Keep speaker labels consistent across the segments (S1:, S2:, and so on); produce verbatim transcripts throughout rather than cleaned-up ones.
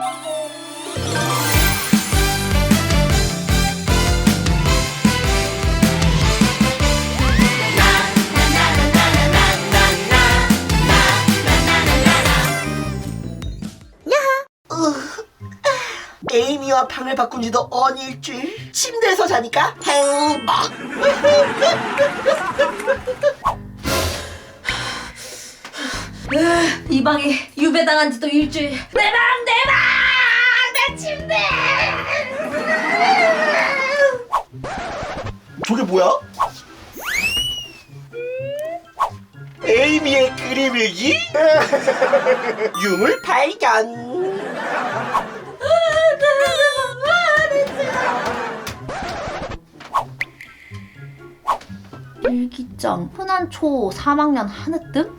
S1: 에이미와 방을 바꾼 지도 언 일주일. 침대에서 자니까 행복.
S2: 이 방에 유배당한 지도 일주일. 내 방, 내 방, 내 침대.
S1: 저게 뭐야? 에이미의 그림 일기? 유물 발견.
S2: 일기장 흔한 초 삼 학년 한으뜸?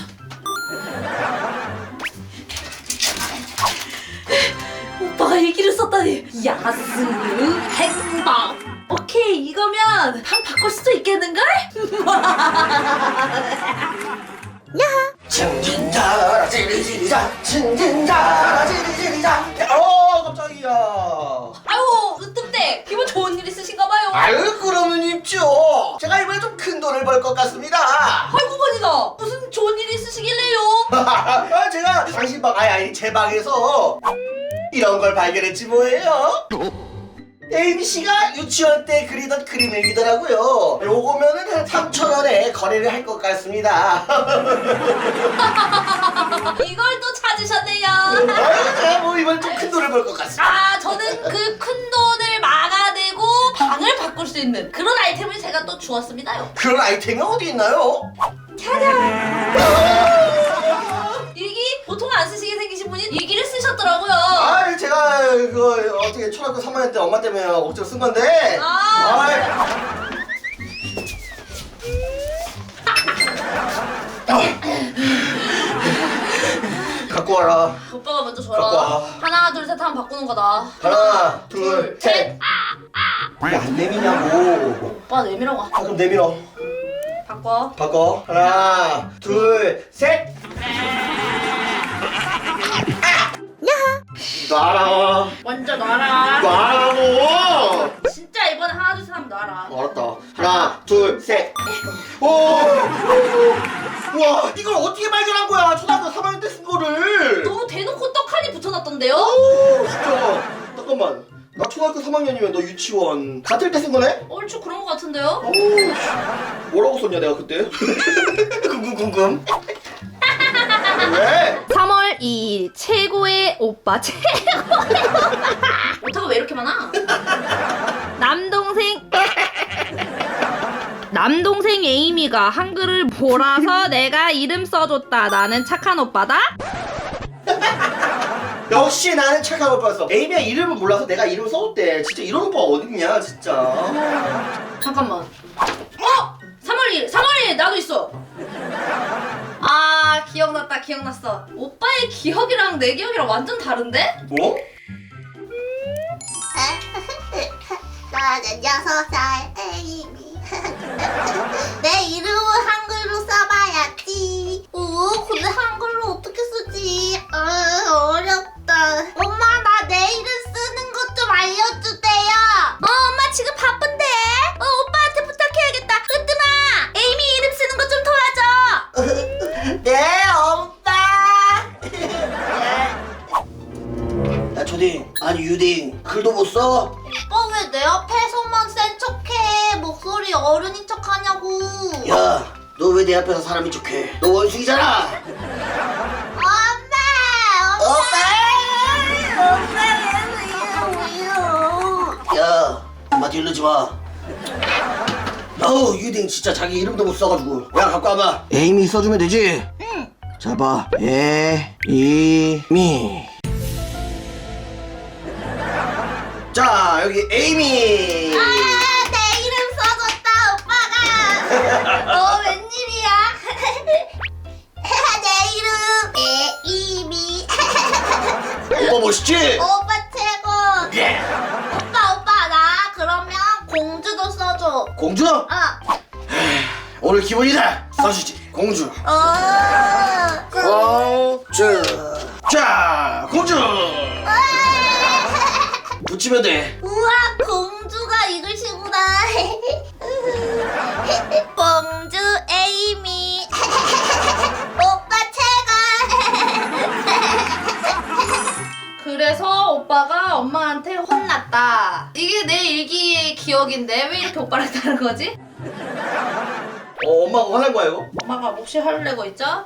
S2: 오빠가 일기를 썼다니. 야스 행복. 오케이, 이거면 방 바꿀 수도 있겠는걸?
S1: 야하. 징징자라 지리지리자 징징자라 지리지리자. 어 깜짝이야.
S2: 아유, 으뜸대 기분 좋은 일 있으신가봐요.
S1: 아유 그러면 입죠. 제가 이번에 좀 큰 돈을 벌 것 같습니다.
S2: 아이고 건이다. 무슨 좋은 일 있으시길래요?
S1: 아, 제가 당신 방 아니 아니 제 방에서 이런 걸 발견했지 뭐예요. 에이미 씨가 유치원 때 그리던 그림 일기더라고요. 요거면은 한 삼천 원에 거래를 할 것 같습니다.
S2: 이걸 또 찾으셨네요.
S1: 아유, 제가 뭐 이번 좀 큰 돈을 벌 것 같습니다.
S2: 아, 저는 그 큰 돈을 막아내고 방을 바꿀 수 있는 그런 아이템을 제가 또 주었습니다요.
S1: 그런 아이템이 어디 있나요?
S2: 짜잔! 일기? 보통 안 쓰시게 생기신 분이 일기를 쓰셨더라고요.
S1: 아, 제가 그거 어떻게 초등학교 삼 학년 때 엄마 때문에 억지로 쓴 건데.
S2: 아.
S1: 아이. 갖고 와라.
S2: 오빠가 먼저
S1: 갖고 와.
S2: 줘라. 하나, 둘, 셋 하면 바꾸는 거다.
S1: 하나, 둘, 셋. 왜 안 내미냐고.
S2: 오빠 내밀어가.
S1: 아, 그럼 내밀어.
S2: 바꿔.
S1: 바꿔. 하나, 둘, 셋. 놔라.
S2: 먼저 놔라.
S1: 놔라고.
S2: 진짜 이번에 하나, 둘, 셋 하면 놔라.
S1: 어, 알았다. 하나, 둘, 셋. 오! 와, 이걸 어떻게 발견한 거야? 초등학교 삼 학년 때 쓴 거를.
S2: 너무 대놓고 떡하니 붙여놨던데요?
S1: 오, 진짜. 잠깐만. 나 초등학교 삼 학년이면 너 유치원 같을 때 쓴 거네?
S2: 얼추 그런 거 같은데요?
S1: 오, 뭐라고 썼냐 내가 그때? 궁금 궁금. 왜?
S2: 삼월 이일 최고의 오빠 최고의 오타가 왜 이렇게 많아? 남동생 남동생 에이미가 한글을 몰아서 내가 이름 써줬다. 나는 착한 오빠다.
S1: 역시 나는 착한 오빠였어. 에이미야 이름을 몰라서 내가 이름 써줬대. 진짜 이런 오빠 어딨냐 진짜.
S2: 잠깐만. 어? 삼월 일 삼월 일 나도 있어. 아, 기억났다. 기억났어. 오빠의 기억이랑 내 기억이랑 완전 다른데?
S1: 뭐?
S3: 나는 여섯 살 에이미. 내 이름은 한글로 써봐야지. 오, 근데 한글로 어떻게 쓰지? 어, 어렵다. 엄마, 나 내 이름 쓰는 것 좀 알려주세요. 어, 엄마 지금 바쁜데. 어, 오빠한테 부탁해야겠다. 으뜸아, 에이미 이름 쓰는 것 좀 도와줘.
S1: 네 엄마. 야 초딩 아니 유딩 글도 못 써?
S3: 오빠 왜 내 앞에서만 센 척해? 목소리 어른인 척하냐고.
S1: 야 너 왜 내 앞에서 사람인 척해? 너 원숭이잖아.
S3: 엄마!
S1: 엄마!
S3: 엄마! 왜요?
S1: 야 엄마 뒤르지 마. 어우 유딩 진짜 자기 이름도 못 써가지고. 야 갖고 와봐. 에이미 써주면 되지?
S3: 응.
S1: 자 봐. 에이미. 자 여기 에이미.
S3: 아, 내 이름 써줬다, 오빠가. 어, 웬일이야? 내 이름 에이미.
S1: 오빠 멋있지?
S3: 오빠 최고.
S1: 예.
S3: 오빠, 오빠, 나 그러면 공주도 써줘.
S1: 공주?
S3: 어.
S1: 오늘 기분이다. 써주지. 공주.
S3: 어.
S1: 공주. 자 공주.
S3: 어,
S1: 시면 돼.
S3: 우와, 공주가 이글씨구나. 공주 에이미. 오빠 최고.
S2: 그래서 오빠가 엄마한테 혼났다. 이게 내 일기의 기억인데 왜 이렇게 오빠랑 다른 거지?
S1: 어, 엄마가 화난 거야 이거?
S2: 엄마가 몫이 화를 내고 있죠?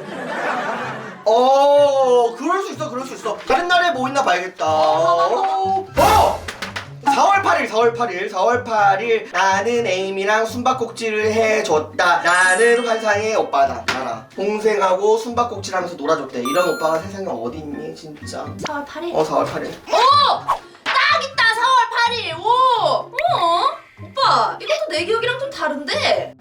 S1: 어, 그럴 수 있어, 그럴 수 있어. 다른 날에 뭐 있나 봐야겠다. 어, 어! 사월 팔일, 사월 팔일, 사월 팔일. 나는 에이미랑 숨바꼭질을 해줬다. 나는 환상의 오빠다. 알아. 동생하고 숨바꼭질 하면서 놀아줬대. 이런 오빠가 세상에 어디 있니, 진짜.
S2: 사월 팔일?
S1: 어, 사월 팔일.
S2: 오! 딱 있다, 사월 팔일. 오! 어? 오빠, 이것도 내 기억이랑 좀 다른데?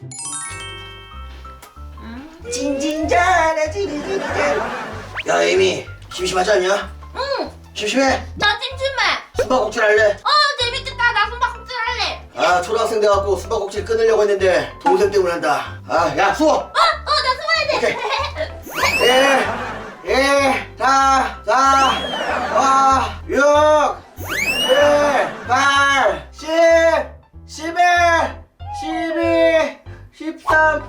S1: 진진자라 진진자. 야, 에이미, 심심하지 않냐?
S2: 응!
S1: 심심해?
S2: 나 찜찜해!
S1: 숨바꼭질 할래?
S2: 어, 재밌겠다. 나 숨바꼭질 할래.
S1: 아, 초등학생 돼갖고 숨바꼭질 끊으려고 했는데 동생 때문에 한다. 아, 야, 수호!
S2: 어, 어, 나 숨어야 돼.
S1: 일, 일, 사, 사, 오, 육, 칠, 팔, 십, 십일, 십이, 십삼,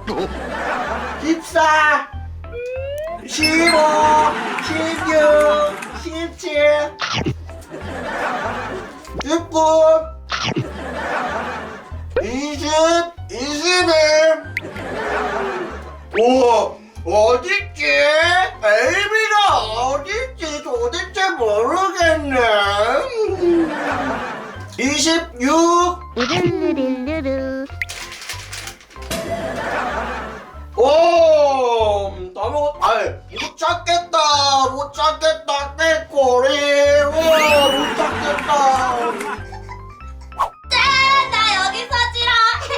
S1: 십사, 십오, 십육, 십칠, 십구, 이십, 이십일. 오, 어딨지? 에이미가 어딨지? 도대체 모르겠네. 이십육.
S3: 우르르르르.
S1: 오, 다 먹었. 아이, 못 찾겠다. 못 찾겠다. 깨꼬리. 와, 못 찾겠다.
S3: 짠! 나 여기서 지러.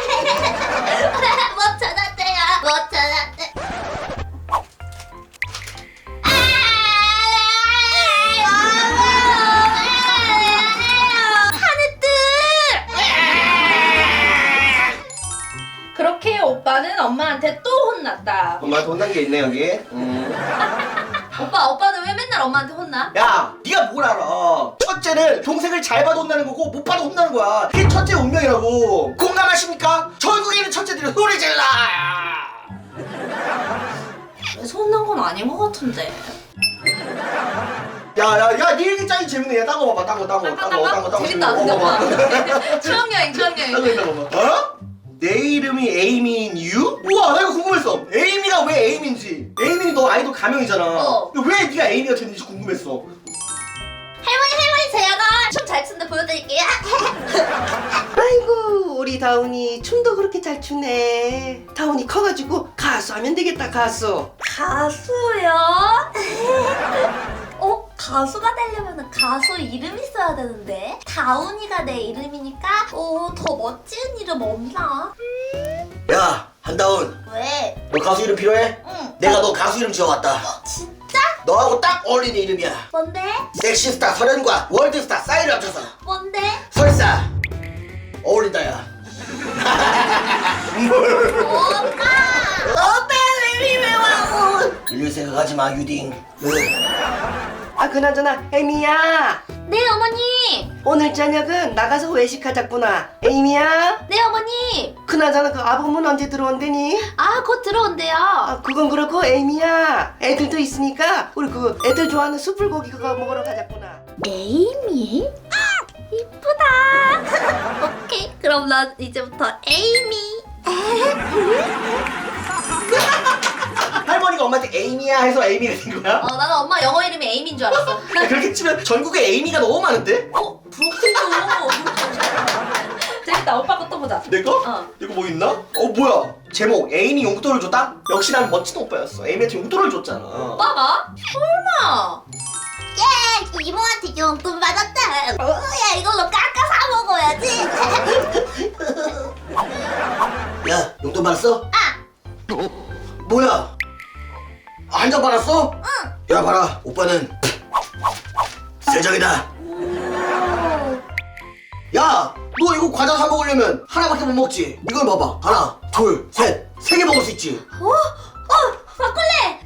S3: 못 찾았대요. 못 찾았대.
S2: 그렇게 오빠는 엄마한테 또 혼났다.
S1: 엄마한테 혼난 게 있네 여기. 음.
S2: 오빠, 오빠는 왜 맨날 엄마한테 혼나?
S1: 야, 네가 뭘 알아? 첫째는 동생을 잘 봐도 혼나는 거고 못 봐도 혼나는 거야. 그게 첫째 운명이라고. 공감하십니까? 전국에 있는 첫째들은 소리 질러.
S2: 그래서 혼난 건 아닌 것 같은데.
S1: 야야야, 네 일기장이 재밌네. 야, 딴 거 봐봐. 딴 거, 딴 거, 딴 거, 딴 거, 딴 거.
S2: 재밌다, 근데 오빠. 추억여행, 추억여행.
S1: 딴거 있나 봐봐. 어? 내 이름이 에이미인 이유? 우와, 나 이거 궁금했어. 에이미가 왜 에이미인지. 에이미는 너 아이돌 가명이잖아.
S2: 어.
S1: 왜 네가 에이미가 됐는지 궁금했어.
S3: 할머니 할머니 제가 춤 잘 추는데 보여드릴게요.
S4: 아이고 우리 다운이 춤도 그렇게 잘 추네. 다운이 커가지고 가수 하면 되겠다. 가수.
S3: 가수요? 어? 가수가 되려면 가수 이름 있어야 되는데 다운이가 내 이름이니까 어, 더 멋진 이름 없나?
S1: 야, 한다운.
S3: 왜?
S1: 너 가수 이름 필요해?
S3: 응.
S1: 내가 너 가수 이름 지어왔다.
S3: 진짜?
S1: 너하고 딱 어울리는 이름이야.
S3: 뭔데?
S1: 섹시스타 설현과 월드스타 싸이를 합쳐서
S3: 뭔데?
S1: 설사. 어울린다, 야.
S3: 오빠! 오빠 왜 이래 와?
S1: 이럴 생각하지 마, 유딩.
S4: 아 그나저나 에이미야,
S3: 네 어머니!
S4: 오늘 저녁은 나가서 외식하자꾸나. 에이미야,
S3: 네 어머니!
S4: 그나저나 그 아범은 언제 들어온대니?
S3: 아 곧 들어온대요.
S4: 아 그건 그렇고 에이미야, 애들도 있으니까 우리 그 애들 좋아하는 숯불고기 그거 먹으러 가자꾸나.
S3: 에이미? 이쁘다. 오케이, 그럼 난 이제부터 에이미.
S1: 할머니가 엄마한테 에이미야 해서 에이미가 된 거야?
S2: 어, 나는 엄마 영어 이름이 에이미인 줄 알았어.
S1: 그렇게 치면 전국에 에이미가 너무 많은데?
S2: 어? 그렇군요. 재밌다. 오빠 것도 보자.
S1: 내 거?
S2: 어.
S1: 내 거 뭐 있나? 어, 뭐야? 제목 에이미 용돈을 줬다? 역시 난 멋진 오빠였어. 에이미한테 용돈을 줬잖아.
S2: 오빠가? 설마.
S3: 예, 이모한테 용돈 받았다. 어, 야 이걸로 깎아 사 먹어야지.
S1: 야, 용돈 받았어?
S3: 아,
S1: 뭐야? 한 장 받았어? 응. 야, 봐라. 오빠는 세정이다. 야, 너 이거 과자 사 먹으려면 하나밖에 못 먹지. 이걸 봐봐. 하나, 둘, 셋, 세 개 먹을 수 있지.
S3: 어, 어, 바꿀래.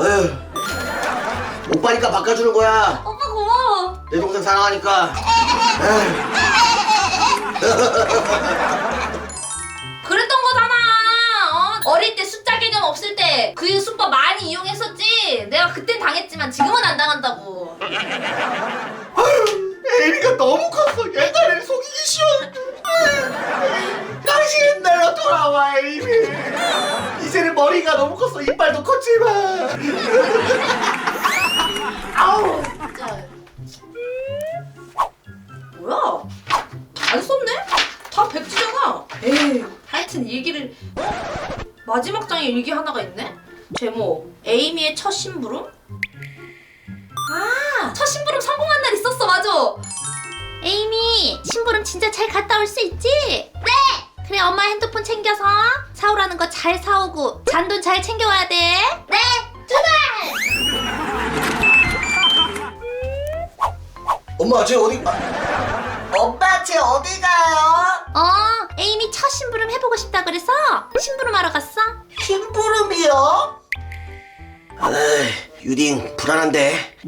S1: 에휴, 오빠니까 바꿔주는 거야.
S3: 오빠 고마워.
S1: 내 동생 사랑하니까.
S2: 그랬던 거잖아. 어? 어릴 때 숫자 개념 없을 때 그 수법 많이 이용했었지. 내가 그땐 당했지만 지금은 안 당한다고.
S1: 에이미가 너무 컸어. 옛날에는 속이기 쉬웠는데. 다시 옛날로 돌아와, 에이미. 이제는 머리가 너무 컸어. 이빨도 컸지만. 아우.
S2: 진짜. 뭐야? 안 썼네? 다 백지잖아. 에이. 하여튼 일기를. 마지막 장에 일기 하나가 있네? 제목 에이미의 첫 심부름? 아, 첫 심부름 성공한 날 있었어. 맞아.
S3: 에이미, 심부름 진짜 잘 갔다 올 수 있지? 네! 그래, 엄마 핸드폰 챙겨서 사오라는 거 잘 사오고 잔돈 잘 챙겨와야 돼. 네! 출발!
S1: 엄마, 쟤 어디 가? 엄마, 쟤 어디 가요?
S3: 어, 에이미 첫 심부름 해보고 싶다 그래서 심부름하러 갔어.
S1: 심부름이요? 에이, 유딩 불안한데.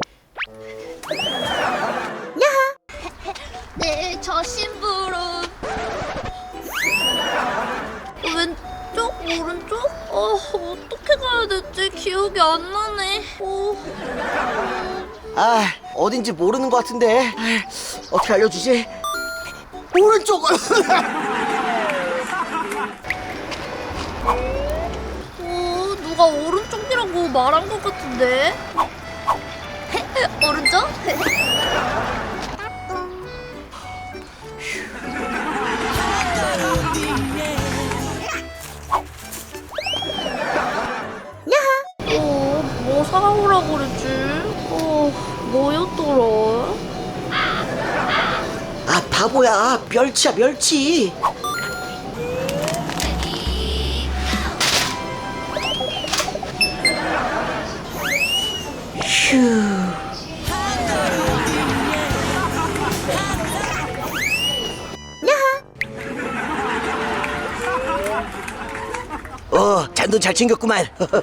S3: 네, 저 심부름. 왼쪽, 오른쪽? 어, 어떻게 가야 될지 기억이 안 나네. 어,
S1: 아, 어딘지 모르는 것 같은데. 아, 어떻게 알려주지? 오른쪽.
S3: 어, 누가 오른쪽이라고 말한 것 같은데? 오른쪽? 어, 뭐 사오라고 그랬지? 어, 뭐였더라?
S1: 아, 바보야. 멸치야, 멸치. 휴. 어, 잔돈 잘 챙겼구만.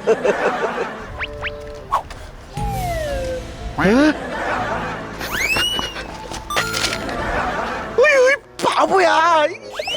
S1: 어이, 바보야.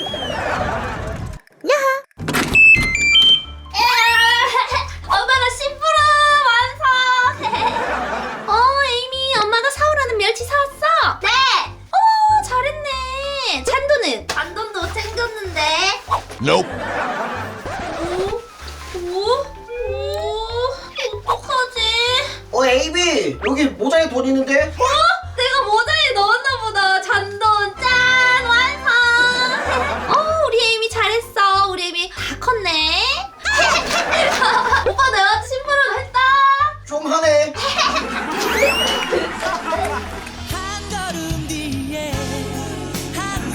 S3: 엄마가 심부름 완성! 어, 에이미, 엄마가 사오라는 멸치 사왔어? 네! 어, 잘했네. 잔돈은? 잔돈도 챙겼는데.
S5: Nope.
S3: 오, 오, 오, 어떡하지?
S1: 어, 에이미, 여기 모자에 돈 있는데?
S3: 어? 내가 모자에 넣었나 보다. 잔돈 짠! 완성! 어, 우리 에이미 잘했어. 우리 에이미 다 컸네. 오빠 내가 심부름 했다.
S1: 좀 하네.
S6: 한 걸음 뒤에 한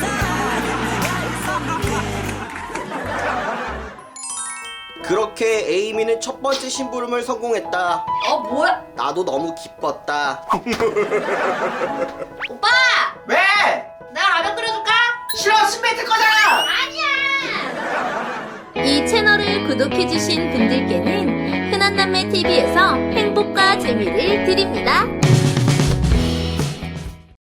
S1: 그렇게 에이미는 첫 번째 심부름을 성공했다.
S2: 어, 뭐야?
S1: 나도 너무 기뻤다.
S2: 오빠!
S1: 왜?
S2: 내가 라면 끓여줄까?
S1: 싫어, 스메이트 거잖아.
S2: 아니야!
S3: 이 채널을 구독해주신 분들께는 흔한남매티비에서 행복과 재미를 드립니다.